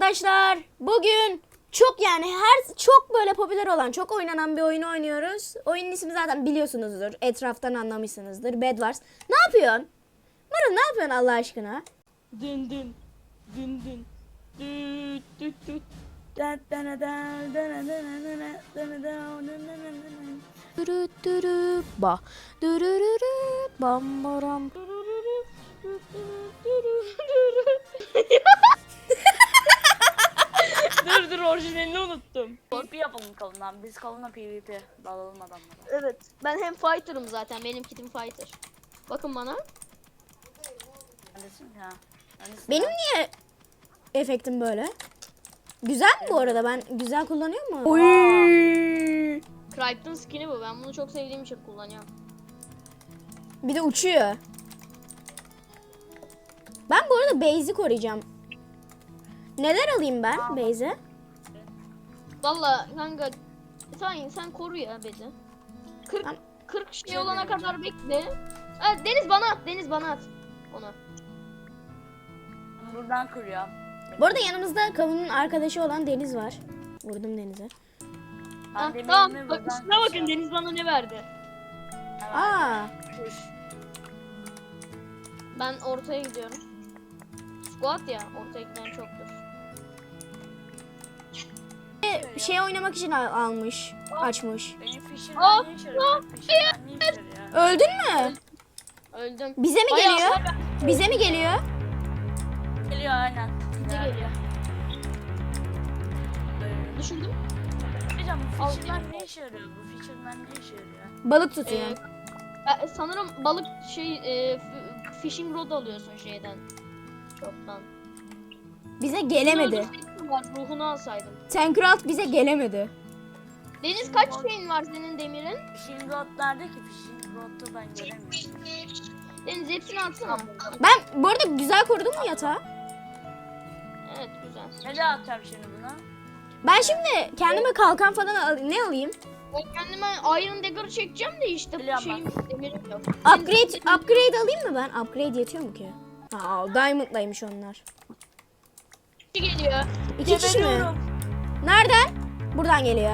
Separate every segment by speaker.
Speaker 1: arkadaşlar. Bugün çok böyle popüler olan, çok oynanan bir oyunu oynuyoruz. Oyunun ismi zaten biliyorsunuzdur. Etraftan anlamışsınızdır. Bed Wars. Ne yapıyorsun? Mırın ne yapıyorsun Allah aşkına?
Speaker 2: Dın dın dın dın düt düt düt.
Speaker 1: Dürü ba. Dürürürü bam baram.
Speaker 2: Dur orijinalini unuttum. PvP yapalım kalından. Biz kalına PvP dalalım adamlara.
Speaker 3: Evet. Ben hem fighter'ım zaten. Benim kitim fighter. Bakın bana.
Speaker 2: Neredesin ya? Neredesin
Speaker 1: Benim
Speaker 2: ya?
Speaker 1: niye efektim böyle? Güzel mi bu arada? Ben güzel kullanıyor mu? Oy.
Speaker 3: Crichton skin'i bu. Ben bunu çok sevdiğim için kullanıyorum.
Speaker 1: Bir de uçuyor. Ben bu arada base'i koruyacağım. Neler alayım ben base'e?
Speaker 3: Valla kanka sen koru ya beni. 40
Speaker 1: Tamam.
Speaker 3: 40 şey olana kadar bekle. Ha, Deniz bana at onu.
Speaker 2: Buradan kırıyorum.
Speaker 1: Bu arada yanımızda kavunun arkadaşı olan Deniz var. Vurdum Deniz'e.
Speaker 3: Ha,
Speaker 2: Ben
Speaker 3: tamam.
Speaker 2: demirimi
Speaker 3: Bak,
Speaker 2: buradan
Speaker 3: şuna bakın
Speaker 2: kırıyorum.
Speaker 3: Deniz bana ne verdi.
Speaker 1: Aa,
Speaker 2: Kuş.
Speaker 3: Ben ortaya gidiyorum. Squat ya, ortaya giden çoktur.
Speaker 1: şey oynamak için almış, açmış.
Speaker 2: Benim
Speaker 3: Aa,
Speaker 2: Fisherman ne işe yarıyor? Fisherman ne işe yarıyor?
Speaker 1: Öldün mü?
Speaker 3: Öldüm.
Speaker 1: Bize mi
Speaker 3: Bayağı
Speaker 1: geliyor?
Speaker 3: hasar
Speaker 1: Bize mi geliyor?
Speaker 2: Geliyor aynen.
Speaker 3: bize geliyor. Düşürdüm.
Speaker 2: Hocam bu
Speaker 3: Al.
Speaker 2: Fisherman ne işe yarıyor? Bu Fisherman ne işe yarıyor?
Speaker 1: Balık tutuyor.
Speaker 3: Sanırım balık fishing rod alıyorsun şeyden. Çoktan.
Speaker 1: Bize gelemedi.
Speaker 3: Var, ruhunu alsaydım.
Speaker 1: Tankralt bize gelemedi.
Speaker 3: Deniz kaç şeyin var senin demirin?
Speaker 2: Fishing rod nerede ki? Fishing rod'u ben göremiyorum.
Speaker 3: Deniz hepsini atsana.
Speaker 1: Ben bu arada güzel korudum mu yatağı?
Speaker 3: Evet güzel.
Speaker 2: Nereye atacağım şimdi bunu?
Speaker 1: Ben şimdi kendime kalkan falan ne alayım?
Speaker 3: Ben kendime Iron Dagger çekeceğim de işte
Speaker 2: Biliyorum
Speaker 3: şeyim demirim yok.
Speaker 1: Upgrade alayım mı ben? Upgrade yetiyor mu ki? Aa, Diamond'laymış onlar.
Speaker 3: Kişi geliyor.
Speaker 1: İki kişi mi?
Speaker 2: Geberiyorum.
Speaker 1: Nereden? Buradan geliyor.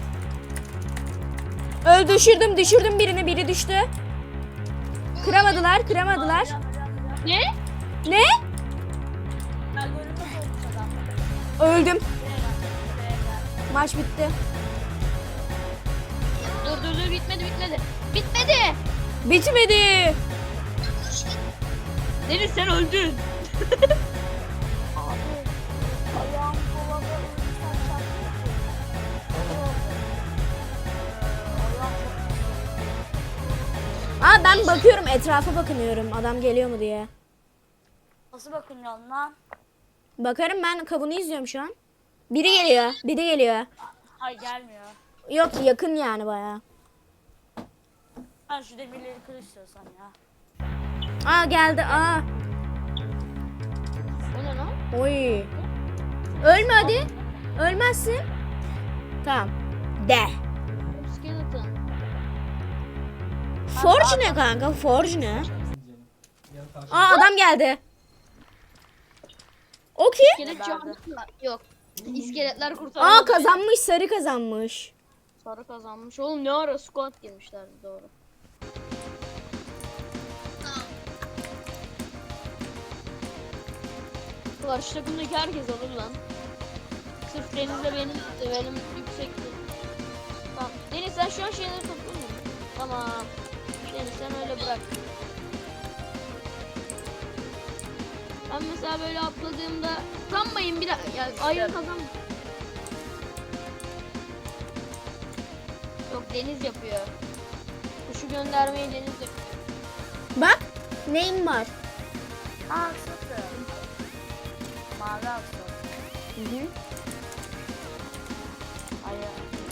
Speaker 1: Düşürdüm birini, biri düştü. Kıramadılar.
Speaker 3: Ne?
Speaker 1: Ne?
Speaker 2: Ben görünmez olmuş adam.
Speaker 1: Öldüm.
Speaker 2: Buraya gel.
Speaker 1: Maç bitti.
Speaker 3: Dur bitmedi. Bitmedi.
Speaker 1: Bitmedi.
Speaker 3: Deniz sen öldün.
Speaker 2: Ayağım kolada ölürsen
Speaker 1: Aa, ben bakıyorum, etrafa bakınıyorum. Adam geliyor mu diye.
Speaker 2: Nasıl bakıyorsun lan?
Speaker 1: Bakarım, ben kavunu izliyorum şu an. Biri geliyor.
Speaker 2: Hayır gelmiyor.
Speaker 1: Yok, yakın yani bayağı.
Speaker 2: Ben şu demirleri kır istiyorsan ya.
Speaker 1: Aa, geldi. Aa.
Speaker 3: O ne lan?
Speaker 1: Oy. Ölme hadi. Ölmezsin. Tamam. De.
Speaker 3: Skeleton.
Speaker 1: Forge ne kanka? Forge ne? Aa, adam geldi. O kim?
Speaker 3: İskelet canlı mı? Yok. İskeletler kurtarıldı.
Speaker 1: Aa, kazanmış. Sarı kazanmış.
Speaker 3: Sarı kazanmış. Oğlum ne ara squat girmişlerdi doğru. Karşı takımdaki herkes alır lan. Sırf Deniz'le benim yüksekti. Tamam. Deniz sen şu an şeyleri tuttun mu? Tamam. Deniz sen öyle bırak. Ben mesela böyle atladığımda sanmayın bir dakika. Yani ayın kazan. Yok Deniz yapıyor. Kuşu göndermeyi Deniz yapıyor.
Speaker 1: Bak. Neyim var?
Speaker 2: Aa sıfır. Mavi asıl.
Speaker 1: Hı.
Speaker 2: Hayır.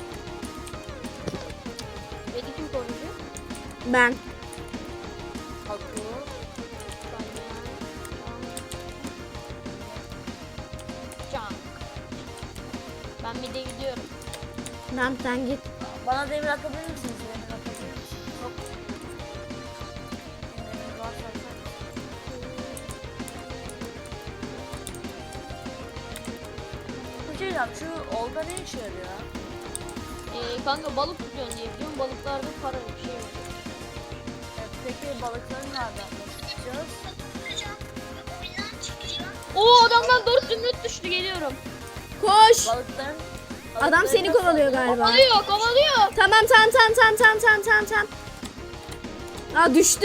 Speaker 3: Beni kim koruyacak?
Speaker 1: Ben.
Speaker 2: Hakkı.
Speaker 3: Can. Ben bir de gidiyorum.
Speaker 1: Tamam, sen git.
Speaker 2: Bana demir atabilir misiniz? Demir atabilir misiniz? Yok. Demir varsa atarım. diyeceğim, şu olda ne işe yarıyor?
Speaker 3: Kanka balık tutuyorsun diye biliyorum. Balıklarda para bir şey var.
Speaker 2: Peki balıkları nereden tutacağız?
Speaker 3: Oo adamdan 4 zümrüt düştü, geliyorum.
Speaker 1: Koş.
Speaker 2: Balıkların...
Speaker 1: Adam seni kovalıyor galiba.
Speaker 3: Kovalıyor kovalıyor.
Speaker 1: Tamam. Aa düştü.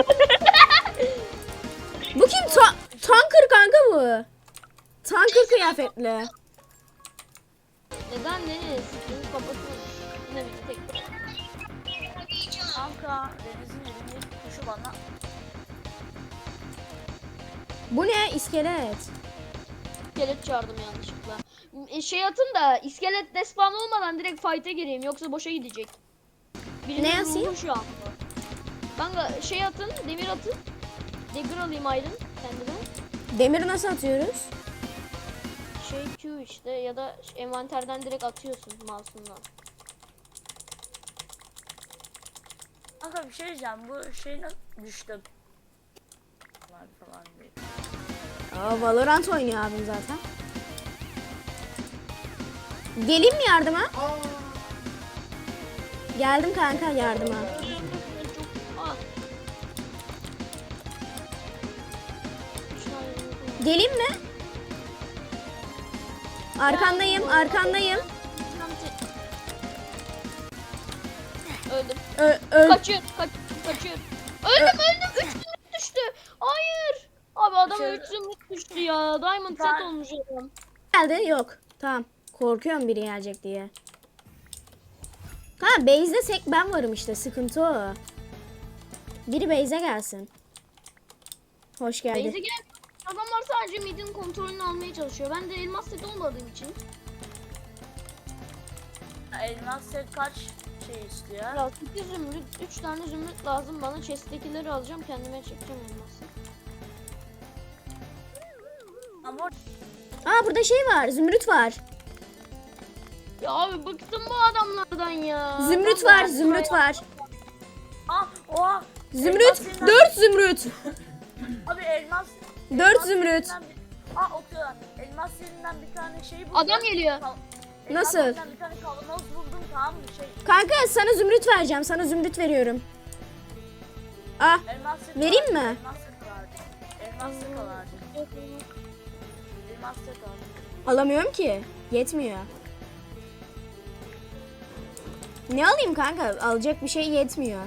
Speaker 1: Bu kim? Tanker kanka bu. Tanker kıyafetli.
Speaker 3: Neden Deniz? Deniz kapatın. Yine bir tek.
Speaker 2: Kanka Deniz'in elindeki kuşu bana...
Speaker 1: Bu ne? İskelet.
Speaker 3: İskelet çağırdım yanlışlıkla. Şey atın da iskelet despawn olmadan direkt fight'e gireyim yoksa boşa gidecek. Birinin
Speaker 1: Ne yazayım?
Speaker 3: ruhu şu an. Kanka şey atın, demir atın. Dagger alayım Aydın kendine.
Speaker 1: Demiri nasıl atıyoruz?
Speaker 3: Şey Q işte ya da envanterden direkt atıyorsun mouse'undan.
Speaker 2: Kanka bir şey diyeceğim, bu şey nasıl düştü? Falan değil.
Speaker 1: Aa, Valorant oynuyor abim zaten. Geleyim mi yardıma? Geldim kanka yardıma.
Speaker 3: Aa.
Speaker 1: Geleyim mi? Arkandayım.
Speaker 3: Öldüm.
Speaker 1: Öl.
Speaker 3: Kaçıyor. Öldüm. 3 zümrüt düştü. Hayır. Abi adama
Speaker 2: Şey-
Speaker 3: 3 zümrüt düştü ya. Diamond set olmuş adam.
Speaker 1: Geldi. Yok. Tamam. Korkuyorum biri gelecek diye. Ha base'de tek ben varım işte. Sıkıntı o. Biri base'e gelsin. Hoş geldi.
Speaker 3: Beyze gel. Adamlar sadece midin kontrolünü almaya çalışıyor. Ben de elmas set olmadığım için.
Speaker 2: Elmas set kaç şey istiyor?
Speaker 3: Ya 8 zümrüt, 3 tane zümrüt lazım bana. Chest'tekileri alacağım, kendime çekeceğim elması.
Speaker 2: Ama
Speaker 1: Aa burada şey var. Zümrüt var.
Speaker 3: Ya abi bıktım bu adamlardan ya.
Speaker 1: Zümrüt
Speaker 3: Adam
Speaker 1: var. Zümrüt var.
Speaker 2: oha!
Speaker 1: Zümrüt.
Speaker 2: Elmas yerinden-
Speaker 1: 4 zümrüt.
Speaker 2: Abi elmas...
Speaker 1: 4
Speaker 2: elmas
Speaker 1: zümrüt.
Speaker 2: yerinden okuyorlar. Elmas yerinden bir tane şey buldum.
Speaker 3: Adam geliyor.
Speaker 2: Elmas
Speaker 1: Nasıl?
Speaker 2: yerinden bir tane kavanoz buldum, tamam mı?
Speaker 1: Kanka sana zümrüt vereceğim. Sana zümrüt veriyorum. Ah.
Speaker 2: Elmas set
Speaker 1: Vereyim
Speaker 2: vardı,
Speaker 1: mi?
Speaker 2: Elmas set vardı. Elmas set vardı. Elmas set vardı.
Speaker 1: Alamıyorum ki. Yetmiyor. Ne alayım kanka? Alacak bir şey yetmiyor.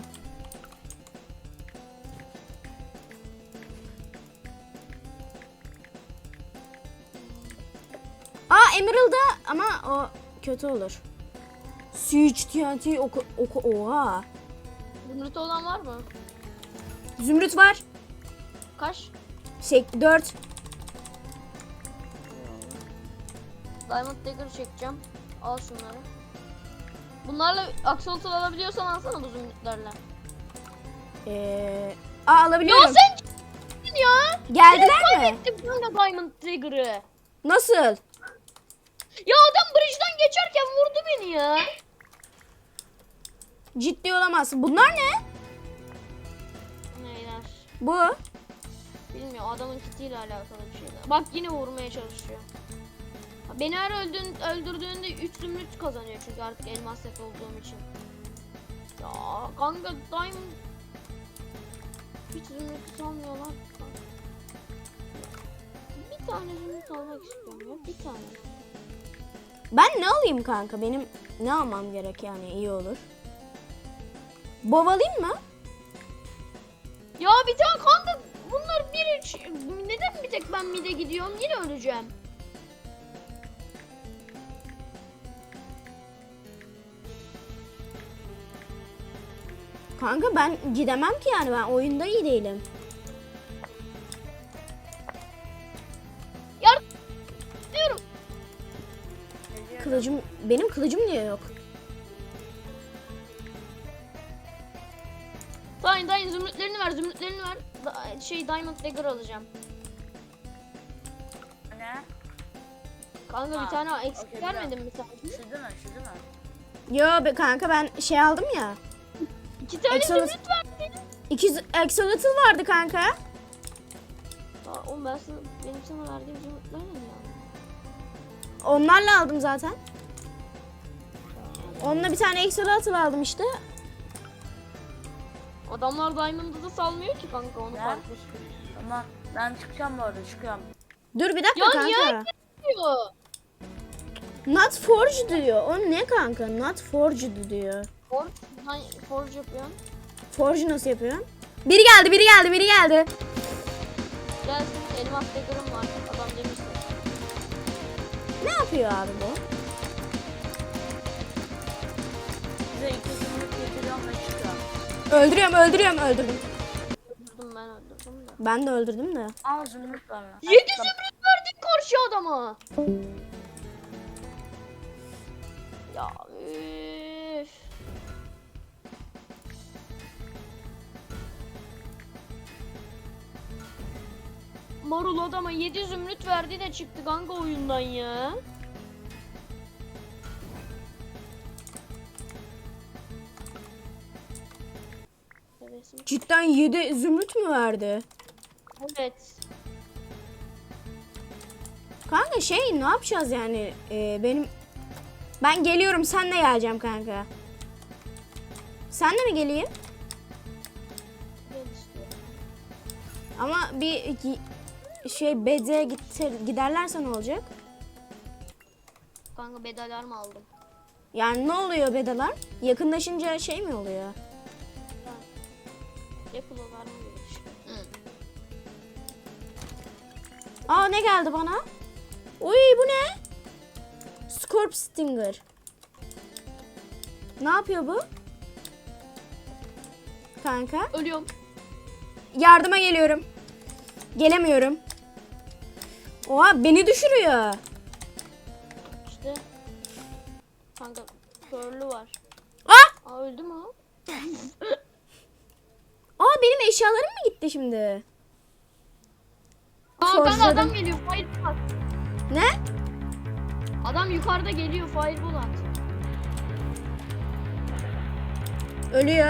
Speaker 1: Aa Emerald'da ama o kötü olur. Siege TNT oha.
Speaker 3: Zümrüt olan var mı?
Speaker 1: Zümrüt var.
Speaker 3: Kaç?
Speaker 1: 4.
Speaker 3: Diamond Dagger çekeceğim. Al şunları. Bunlarla Axolotl alabiliyorsan alsana bu zümrütlerle.
Speaker 1: Alabiliyorum.
Speaker 3: Ya sen c***sin ya.
Speaker 1: Geldiler mi?
Speaker 3: Kaybettim kanka Diamond Dagger'ı.
Speaker 1: Nasıl?
Speaker 3: Ya adam bridge'den geçerken vurdu beni ya.
Speaker 1: Ciddi olamazsın. Bunlar ne?
Speaker 3: Neyler?
Speaker 1: Bu.
Speaker 3: Bilmiyorum, adamın kitiyle alakalı bir şeyler. Bak yine vurmaya çalışıyor. Beni her öldürdüğünde 3 zümrüt kazanıyor çünkü artık elmas set olduğum için. Ya kanka Diamond hiç zümrüt salmıyorlar kanka. Bir tane zümrüt almak istiyorum ya, bir tane.
Speaker 1: Ben ne alayım kanka? Benim ne almam gerek yani iyi olur. Bov alayım mı?
Speaker 3: Ya bir tane kanka bunlar neden bir tek ben mide gidiyorum, yine öleceğim.
Speaker 1: Kanka ben gidemem ki yani ben oyunda iyi değilim.
Speaker 3: Diyorum.
Speaker 1: Benim kılıcım niye yok?
Speaker 3: Dayın zümrütlerini ver. Diamond Dagger alacağım.
Speaker 2: Ne?
Speaker 3: Kanka bir
Speaker 2: Ha,
Speaker 3: tane eksik
Speaker 2: okey,
Speaker 3: vermedin mi sen?
Speaker 2: Şu değil mi? Şu değil mi?
Speaker 1: Yo be kanka ben şey aldım ya.
Speaker 3: 2 tane
Speaker 1: Exodus-
Speaker 3: zümrüt verdin.
Speaker 1: 2 Axolotl vardı kanka.
Speaker 3: Ya oğlum benim sana verdiğim zümrütler ne ya?
Speaker 1: Onlarla aldım zaten. Onunla bir tane Axolotl aldım işte.
Speaker 3: Adamlar Diamond'ı da salmıyor ki kanka onu
Speaker 2: Ne?
Speaker 3: farklı.
Speaker 2: Tamam. Ben çıkacağım bu arada. Çıkıyorum.
Speaker 1: Dur bir dakika
Speaker 3: Ya
Speaker 1: kanka.
Speaker 3: niye diyor?
Speaker 1: Not forged diyor. O ne kanka? Not forged diyor.
Speaker 3: Forge yapıyorsun.
Speaker 1: Forge nasıl yapıyorsun? Biri geldi, biri geldi, biri geldi.
Speaker 3: Gelsin elmas dagger'ım var. Adam demişti.
Speaker 1: Ne yapıyor abi bu?
Speaker 2: Size 2 zümrüt getiriyorum ve çıkıyorum.
Speaker 1: Öldürüyorum, öldürüyorum, öldürdüm.
Speaker 3: Öldürdüm de.
Speaker 1: Ben de öldürdüm de.
Speaker 2: Al zümrüt var.
Speaker 3: 7 zümrüt verdik karşı adama. Ya üf. Marul adama 7 zümrüt verdi de çıktı kanka oyundan ya. Hevesim.
Speaker 1: Cidden 7 zümrüt mü verdi?
Speaker 3: Evet.
Speaker 1: Kanka şey ne yapacağız yani? Ben geliyorum, sen de geleceğim kanka. Sen de mi geleyim?
Speaker 3: Gel istiyorum.
Speaker 1: Ama bir şey bed'e giderlerse ne olacak?
Speaker 3: Kanka bedalar mı aldım?
Speaker 1: Yani ne oluyor bedalar? Yakınlaşınca şey mi oluyor?
Speaker 3: Apple var mı böyle işte?
Speaker 1: Aa ne geldi bana? Uy bu ne? Scorp Stinger. Ne yapıyor bu? Kanka.
Speaker 3: Ölüyorum.
Speaker 1: Yardıma geliyorum. Gelemiyorum. Oha beni düşürüyor.
Speaker 3: İşte. Kanka körlü var.
Speaker 1: Ah!
Speaker 3: Aa öldü mü o?
Speaker 1: Aa benim eşyalarım mı gitti şimdi?
Speaker 3: Aa kanka
Speaker 1: Forjladım.
Speaker 3: adam geliyor. Fireball at.
Speaker 1: Ne?
Speaker 3: Adam yukarıda geliyor. Fireball at.
Speaker 1: Ölüyor.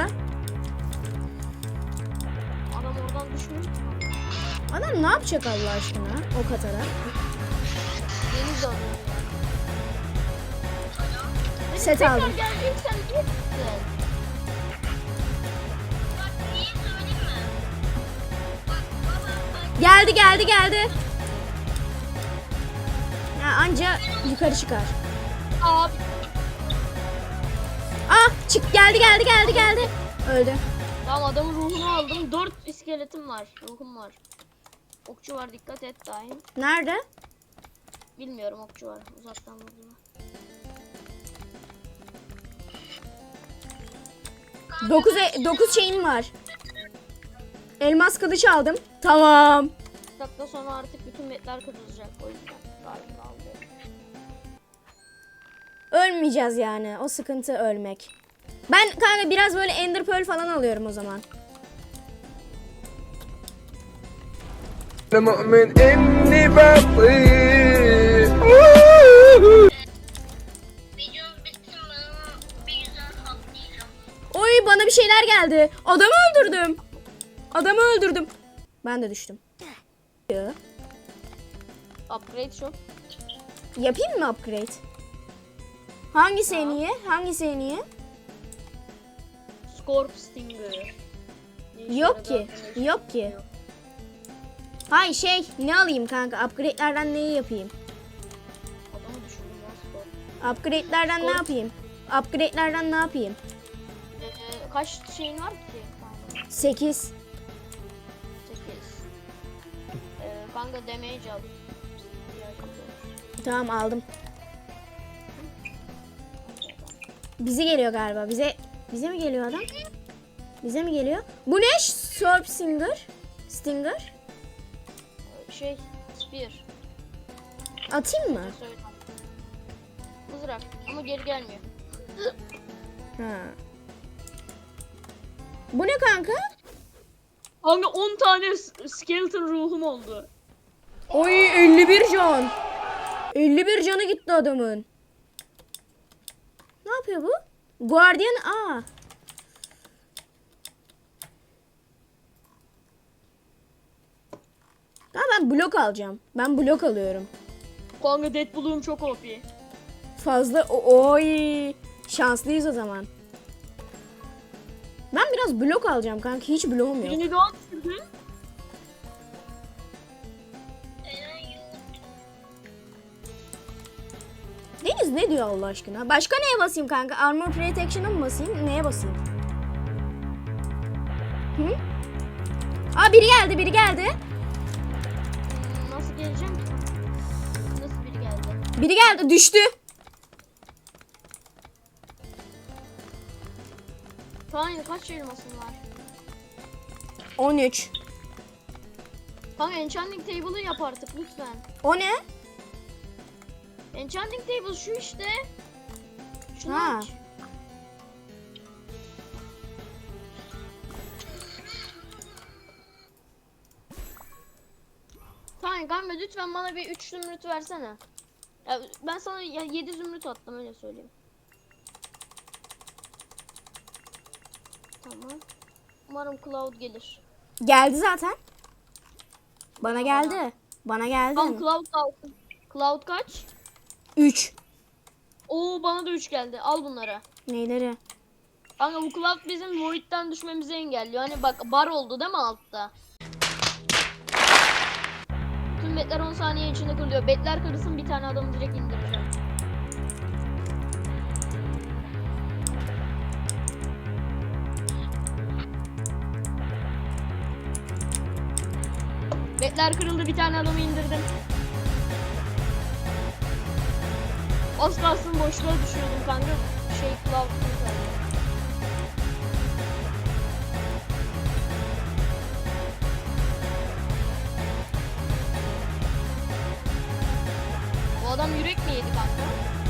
Speaker 3: Adam oradan düşmüyor.
Speaker 1: Adam ne yapacak Allah aşkına o Katar'a?
Speaker 3: Deniz de alıyor.
Speaker 1: Set
Speaker 3: Tekrar
Speaker 1: aldım.
Speaker 3: geleceksen git.
Speaker 1: Geldi geldi geldi. Ya anca yukarı çıkar.
Speaker 3: Abi.
Speaker 1: Ah çık geldi geldi geldi geldi. Öldü.
Speaker 3: Tamam adamın ruhunu aldım. 4 iskeletim var. Ruhum var. Okçu var dikkat et daim.
Speaker 1: Nerede?
Speaker 3: Bilmiyorum okçu var. Uzaktan vurdu.
Speaker 1: 9 şeyim var. Elmas kılıç aldım. Tamam.
Speaker 3: 2 dakika sonra artık bütün metler kırılacak. O yüzden galiba alıyorum.
Speaker 1: Ölmeyeceğiz yani. O sıkıntı ölmek. Ben kanka biraz böyle Ender Pearl falan alıyorum o zaman.
Speaker 4: أنا مؤمن إني بطيء
Speaker 1: Oy bana bir şeyler geldi. Adamı öldürdüm. Adamı öldürdüm. Ben de düştüm.
Speaker 3: Upgrade shop.
Speaker 1: Yapayım mı upgrade? Hangisi en iyi? Hangisi en iyi?
Speaker 3: Scorp Stinger. Ne işe
Speaker 1: Yok ki.
Speaker 3: yaradı hakkında
Speaker 1: Yok ki. Hay şey ne alayım kanka? Upgrade'lerden neyi yapayım?
Speaker 3: Adamı düşürdüm ya Scorp.
Speaker 1: Upgrade'lerden ne
Speaker 3: Scorp.
Speaker 1: yapayım? Upgrade'lerden ne yapayım?
Speaker 3: Kaç şeyin var ki? Kanka
Speaker 1: 8.
Speaker 3: 8. Kanka damage al.
Speaker 1: Tamam aldım. Bize geliyor galiba. Bize mi geliyor adam? Bize mi geliyor? Bu ne? Scorp Stinger. Stinger.
Speaker 3: Şey spear.
Speaker 1: Atayım mı?
Speaker 3: Söyle. Mızrak ama geri gelmiyor.
Speaker 1: Ha. Bu ne kanka?
Speaker 3: Kanka 10 tane skeleton ruhum oldu.
Speaker 1: Oy 51 can. 51 canı gitti adamın. Ne yapıyor bu? Guardian A. Ha ben blok alacağım. Ben blok alıyorum.
Speaker 3: Kanka Deadpool'um çok OP.
Speaker 1: Fazla oy. Şanslıyız o zaman. Ben biraz blok alacağım kanka. Hiç bloğum yok.
Speaker 3: Birini daha düşürdün.
Speaker 1: Deniz ne diyor Allah aşkına? Başka neye basayım kanka? Armor Protection'a mı basayım? Neye basayım? Hı? Aa biri geldi, biri geldi.
Speaker 3: Nasıl geleceğim ki? Nasıl biri geldi?
Speaker 1: Biri geldi, düştü.
Speaker 3: Tamam kaç elmasın var?
Speaker 1: 13.
Speaker 3: Kanka enchanting table'ı yap artık lütfen.
Speaker 1: O ne?
Speaker 3: Enchanting table şu işte. Şunu
Speaker 1: Ha.
Speaker 3: aç. Tamam kanka lütfen bana bir 3 zümrüt versene. Ya ben sana 7 zümrüt attım öyle söyleyeyim. Tamam. Umarım Cloud gelir.
Speaker 1: Geldi zaten. Bana geldi. Bana geldi.
Speaker 3: Tamam Cloud alsın. Cloud kaç?
Speaker 1: 3.
Speaker 3: Oo bana da 3 geldi. Al bunları.
Speaker 1: Neyleri?
Speaker 3: Kanka bu Cloud bizim Void'den düşmemizi engelliyor. Hani bak bar oldu değil mi altta? Tüm betler 10 saniye içinde kırılıyor. Betler kırılsın bir tane adamı direkt indireceğim. Betler kırıldı bir tane adamı indirdim. Az kalsın boşluğa düşüyordum kanka. Cloud kurtardı. Bu adam yürek mi yedi kanka?